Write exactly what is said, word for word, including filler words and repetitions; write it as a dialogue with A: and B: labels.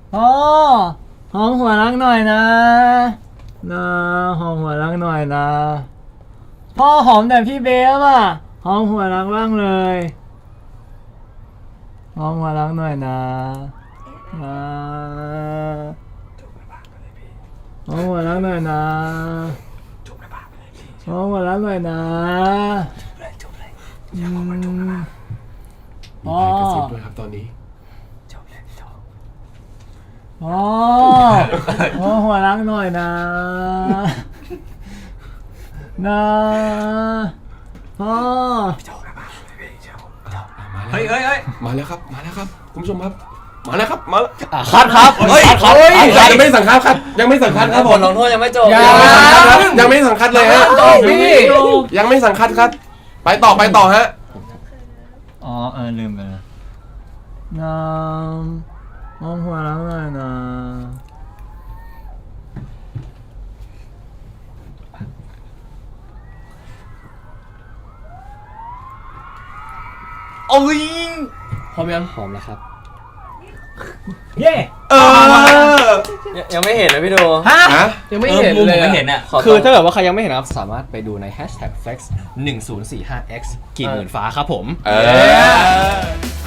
A: พ่อหอมหัวรักหน่อยนะนะหอมหัวรักหน่อยนะพ่อหอมแต่พี่เบฟอ่ะหอมหัวรักบ้างเลยหอมหัวรักหน่อยนะนะหอมหัวรักหน่อยนะหอมหัวรักหน่อยนะอืมพ่อก
B: ระซิบด้วยครับตอนนี้
A: พ่อพ่อหัวรักหน่อยนะนะพ่อ
C: เฮ้ยเฮ้ยเฮ้ย
B: มาแล้วครับมาแล้วครับคุณผู้ชมครับมาแล้วครับมาแล้ว
D: คัดครับเฮ้ยคัดครับ
B: ยังไม่สั่งคัดครับยังไม่สั่งคัดครับ
C: บ
B: ผม
C: ทลงโทษยังไม่จบ
A: ยัง
B: ยังไม่สั่งคัดเลยฮะ
C: จบพี่
B: ยังไม่สั่งคัดครับ ไปต่อไปต่อฮะ
A: อ๋อเออลืมไปแล้วน้ำน้องหัวรักหน่อยนะ
C: โอ้ย
D: พร้อมยังหอมแล้วครับ
A: เย้
B: เออ
C: ยังไม่เห็นเลยพี่ดู
A: ฮะ
B: ฮะ
D: ยังไม่เห็น
C: มุม
D: เลย
C: ผมไม่เห็นอ่ะ
D: คือถ้าเกิดว่าใครยังไม่เห็นนะครับสามารถไปดูใน แฮชแท็ก เฟล็กซ์ หนึ่งศูนย์สี่ห้าเอ็กซ์ กี่หมื่นฟ้าครับผม
B: เออ